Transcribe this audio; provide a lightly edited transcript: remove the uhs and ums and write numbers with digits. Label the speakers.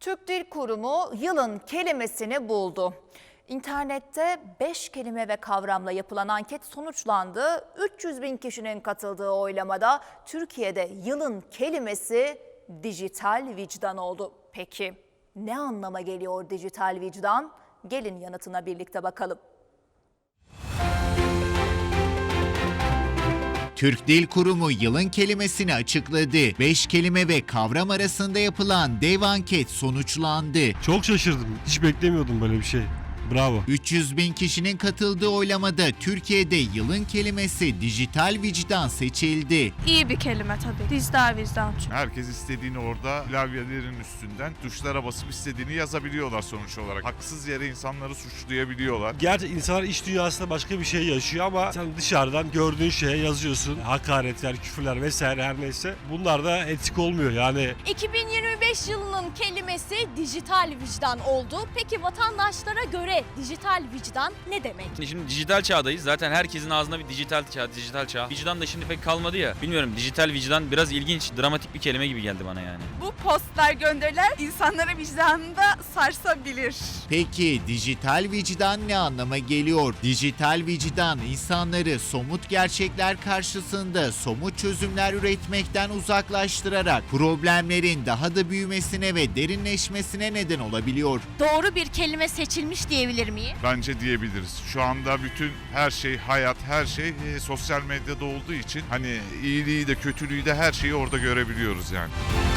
Speaker 1: Türk Dil Kurumu yılın kelimesini buldu. İnternette 5 kelime ve kavramla yapılan anket sonuçlandı. 300 bin kişinin katıldığı oylamada Türkiye'de yılın kelimesi dijital vicdan oldu. Peki ne anlama geliyor dijital vicdan? Gelin yanıtına birlikte bakalım.
Speaker 2: Türk Dil Kurumu yılın kelimesini açıkladı. 5 kelime ve kavram arasında yapılan dev anket sonuçlandı.
Speaker 3: Çok şaşırdım. Hiç beklemiyordum böyle bir şey. Bravo.
Speaker 2: 300 bin kişinin katıldığı oylamada Türkiye'de yılın kelimesi dijital vicdan seçildi.
Speaker 4: İyi bir kelime tabii. Dijital vicdan.
Speaker 5: Herkes istediğini orada klavyelerin üstünden tuşlara basıp istediğini yazabiliyorlar sonuç olarak. Haksız yere insanları suçlayabiliyorlar.
Speaker 3: Gerçi insanlar iç dünyasında başka bir şey yaşıyor ama sen dışarıdan gördüğün şeye yazıyorsun. Hakaretler, küfürler vesaire her neyse. Bunlar da etik olmuyor yani.
Speaker 6: 2025 yılının kelimesi dijital vicdan oldu. Peki vatandaşlara göre dijital vicdan ne demek?
Speaker 7: Şimdi dijital çağdayız. Zaten herkesin ağzında bir dijital çağ. Vicdan da şimdi pek kalmadı ya. Bilmiyorum, dijital vicdan biraz ilginç, dramatik bir kelime gibi geldi bana yani.
Speaker 4: Bu postlar gönderiler insanlara vicdanını da sarsabilir.
Speaker 2: Peki dijital vicdan ne anlama geliyor? Dijital vicdan insanları somut gerçekler karşısında somut çözümler üretmekten uzaklaştırarak problemlerin daha da büyümesine ve derinleşmesine neden olabiliyor.
Speaker 6: Doğru bir kelime seçilmiş diyebilir miyim?
Speaker 5: Bence diyebiliriz. Şu anda bütün her şey, hayat, her şey sosyal medyada olduğu için hani iyiliği de kötülüğü de her şeyi orada görebiliyoruz yani.